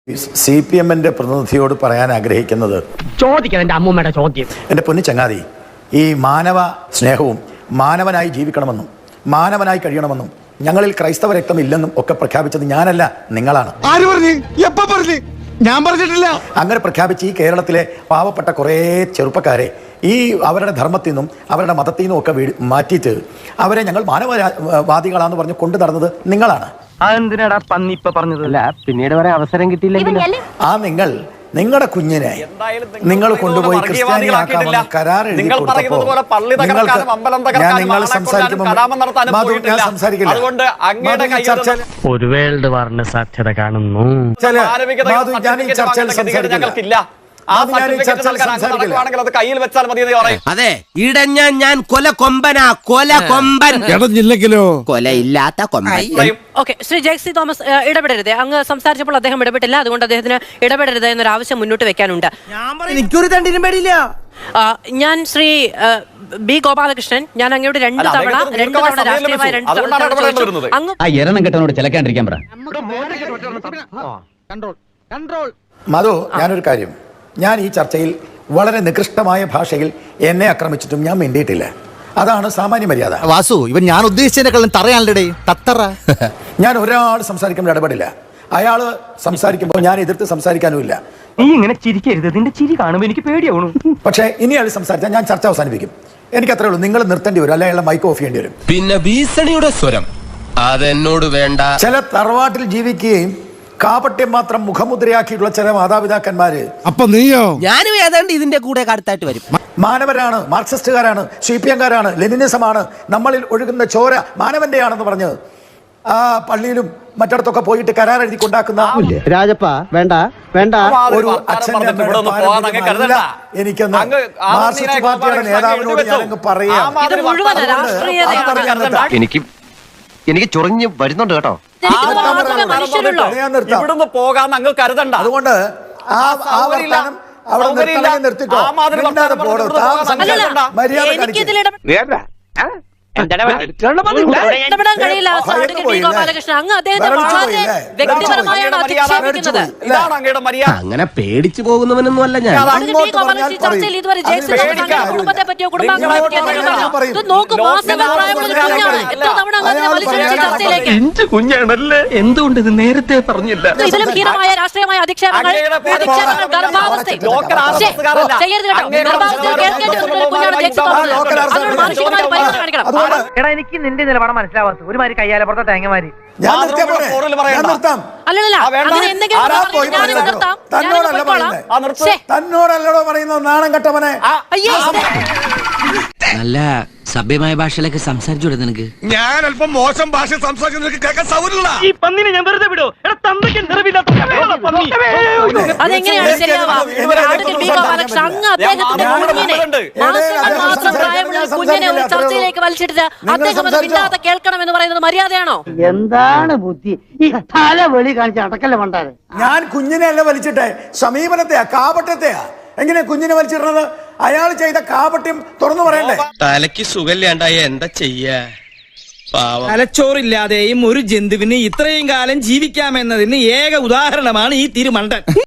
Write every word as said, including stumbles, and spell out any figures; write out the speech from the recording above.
C P എമ്മിന്റെ പ്രതിനിധിയോട് പറയാൻ ആഗ്രഹിക്കുന്നത് ചോദിക്കണം എന്റെ അമ്മൂമ്മയുടെ ചോദ്യം. എൻ്റെ പൊന്നു ചങ്ങാതി, ഈ മാനവ സ്നേഹവും മാനവനായി ജീവിക്കണമെന്നും മാനവനായി കഴിയണമെന്നും ഞങ്ങളിൽ ക്രൈസ്തവ രക്തം ഇല്ലെന്നും ഒക്കെ പ്രഖ്യാപിച്ചത് ഞാനല്ല, നിങ്ങളാണ്. ആര് പറഞ്ഞു? എപ്പോ പറഞ്ഞു? ഞാൻ പറഞ്ഞിട്ടില്ല. അങ്ങനെ പ്രഖ്യാപിച്ച് ഈ കേരളത്തിലെ പാവപ്പെട്ട കുറേ ചെറുപ്പക്കാരെ ഈ അവരുടെ ധർമ്മത്തിൽ നിന്നും അവരുടെ മതത്തിൽ നിന്നും ഒക്കെ മാറ്റിയിട്ട് അവരെ ഞങ്ങൾ മാനവവാദികളാണെന്ന് പറഞ്ഞ് കൊണ്ടു നടന്നത് നിങ്ങളാണ്. അതെന്തിനാടാ പന്നി ഇപ്പൊ പറഞ്ഞതല്ല, പിന്നീട് വരെ അവസരം കിട്ടിയില്ലെങ്കിൽ ആ നിങ്ങൾ നിങ്ങളുടെ കുഞ്ഞിനെ നിങ്ങൾ കൊണ്ടുപോയി ക്രിസ്ത്യാനിയാക്കാമെന്ന് കരാർ എഴുതി കൊടുത്തപ്പോൾ ഞാൻ നിങ്ങൾ സംസാരിക്കില്ല. ഒരു വേൾഡ് വാറിന് സാധ്യത കാണുന്നു. ഞാൻ ഈ ചർച്ചയിൽ സംസാരിക്കില്ല. അതെ, ഇടഞ്ഞ ഞാൻ കൊല കൊമ്പനാ, കൊല കൊമ്പൻ. ഇടഞ്ഞില്ലെങ്കിലോ കൊലയില്ലാത്ത കൊമ്പൻ. ഓക്കെ, ശ്രീ ജെക്സി തോമസ് ഇടപെടരുത്. അങ്ങ് സംസാരിച്ചപ്പോൾ അദ്ദേഹം ഇടപെട്ടില്ല, അതുകൊണ്ട് അദ്ദേഹത്തിന് ഇടപെടരുത് എന്നൊരു ആവശ്യം മുന്നോട്ട് വെക്കാനുണ്ട്. എനിക്കൊരു തണ്ടിനും പേടിയില്ല. ഞാൻ ശ്രീ ബി ഗോപാലകൃഷ്ണൻ, ഞാൻ അങ്ങോട്ട് രണ്ട് തവണ രണ്ട് തവണ രാഷ്ട്രീയമായി രണ്ട് തവണ അങ്ങ് എരണം കെട്ടനോട് ചിലക്കാണ്ടിരിക്കാൻ പറ. മധു, ഞാനൊരു കാര്യം, ഞാൻ ഈ ചർച്ചയിൽ വളരെ നികൃഷ്ടമായ ഭാഷയിൽ എന്നെ ആക്രമിച്ചിട്ടും ഞാൻ മിണ്ടിയിട്ടില്ല. അതാണ് സാമാന്യ മര്യാദ. വാസു, ഇവൻ ഞാൻ ഉദ്ദേശിച്ചതിനെക്കാളും തറയാണല്ലേ തത്തറ. ഞാൻ ഒരാൾ സംസാരിക്കുമ്പോൾ ഇടപെടില്ല. അയാൾ സംസാരിക്കുമ്പോൾ ഞാൻ എതിർത്ത് സംസാരിക്കാനുമില്ല. നീ ഇങ്ങനെ ചിരിക്കരുത്, നിന്റെ ചിരി കാണുമ്പോൾ എനിക്ക് പേടിയാവണു. പക്ഷേ ഇനി അയാൾ സംസാരിച്ചാൽ ഞാൻ ചർച്ച അവസാനിപ്പിക്കും. എനിക്ക് അത്രേ ഉള്ളൂ. നിങ്ങൾ നിർത്തേണ്ടി വരും, അല്ലെങ്കിൽ മൈക്ക് ഓഫ് ചെയ്യേണ്ടി വരും. പിന്നെ ഭീഷണിയുടെ സ്വരം അതെന്നോട് വേണ്ട. ചില തറവാട്ടിൽ ജീവിക്കുകയും കാപട്യം മാത്രം മുഖമുദ്രയാക്കിയിട്ടുള്ള ചില മാതാപിതാക്കന്മാര്, അപ്പൊ നീയോ? ഞാനും ഏതാണ്ട് ഇതിന്റെ കൂടെ അടുത്തായിട്ട് വരും. മാനവരാണ്, മാർക്സിസ്റ്റുകാരാണ്, സി പി എംകാരാണ്, ലെനിനിസമാണ്, നമ്മളിൽ ഒഴുകുന്ന ചോര മാനവന്റെയാണെന്ന് പറഞ്ഞ് ആ പള്ളിയിലും മറ്റിടത്തൊക്കെ പോയിട്ട് കരാർ എഴുതി കൊണ്ടാക്കുന്ന രാജപ്പ വേണ്ട വേണ്ട ഒരു അച്ഛൻ്റെ എനിക്കൊന്ന് മാർക്സിസ്റ്റ് പാർട്ടിയുടെ നേതാവിനോട് ഞാനങ്ങ് പറയാം. എനിക്ക് എനിക്ക് ചൊറിഞ്ഞ് വരുന്നുണ്ട് കേട്ടോ. ഇവിടുന്ന് പോകാൻ അങ്ങ് കരുതണ്ട. അതുകൊണ്ട് ആ ആ വർത്തമാനം അവിടെ നിർത്തണേ, നിർത്തിക്കോ. മര്യാദ ഇടപെടാൻ കഴിയില്ല. ഗോപാലകൃഷ്ണൻ, അങ്ങ് അദ്ദേഹത്തെ വളരെ വ്യക്തിപരമായാണ് അധിക്ഷേപിക്കുന്നത്. അങ്ങനെ പേടിച്ചു പോകുന്നവനൊന്നും അല്ല ഞാൻ. ചർച്ചയിൽ ഇതുവരെ കുടുംബത്തെ പറ്റിയോ കുടുംബാംഗങ്ങളെ പറ്റിയോ നോക്കൂ. എത്ര തവണ ചർച്ചയിലേക്ക് കുഞ്ഞാണല്ലേ, എന്തുകൊണ്ട് ഇത് നേരത്തെ പറഞ്ഞില്ല? ഇതിലും ഹീനമായ രാഷ്ട്രീയമായ അധിക്ഷേപങ്ങൾ, അധിക്ഷേപങ്ങൾ, ഗർഭാവസ്ഥ ചെയ്യരുത് കേട്ടോ. ഗർഭാവസ്ഥ കേൾക്കേണ്ടി വരുന്ന കുഞ്ഞാണ് ജെക്സി തോമസ്. അതിനോട് മാനുഷികമായ പരിഗണന കാണിക്കണം. എടാ, എനിക്ക് നിന്റെ നിലപാട് മനസ്സിലാവാത്ത ഒരുമാതിരി കയ്യാലെ പുറത്തെ തേങ്ങമാരി. തന്നോടല്ലോ പറയുന്നത്, നാണം കെട്ടവനെ. നല്ല സഭ്യമായ ഭാഷയിലൊക്കെ സംസാരിച്ചൂടെ നിനക്ക്? ഞാൻ അല്പം മോശം ഭാഷ സംസാരിക്കുന്ന കേൾക്കാൻ സൗകര്യമില്ല. ഈ പന്നിനെ ഞാൻ വെറുതെ വിടോ? എടാ, തന്തയ്ക്ക് നിറവില്ലാത്ത പന്നി. അതെങ്ങനെയാണ് ശരിയാവുക? അങ്ങ് അദ്ദേഹത്തിന്റെ കുഞ്ഞിനെ, മാസങ്ങൾ മാത്രം പ്രായമുള്ള കുഞ്ഞിനെ ഒരു ചർച്ചയിലേക്ക് വലിച്ചിട്ട് അദ്ദേഹം അത് മിണ്ടാതെ കേൾക്കണം എന്ന് പറയുന്നത് മര്യാദയാണോ? എന്താണ് ബുദ്ധി ഈ തല വെളി കാണിച്ച് അടക്കല്ലേ മണ്ടാരെ? ഞാൻ കുഞ്ഞിനെ അല്ല വലിച്ചിട്ടെ, സമീപനത്തെയാ, കാപട്യത്തെയാ. എങ്ങനെ കുഞ്ഞിനെ വലിച്ചിടുന്നത്? അയാൾ ചെയ്ത കാപട്യം തുറന്നു പറയണ്ടേ? തലയ്ക്ക് സുഖമില്ലാണ്ടായ എന്താ ചെയ്യാ? തലച്ചോറില്ലാതെയും ഒരു ജന്തുവിന് ഇത്രയും കാലം ജീവിക്കാമെന്നതിന് ഏക ഉദാഹരണമാണ് ഈ തിരുമണ്ടൻ.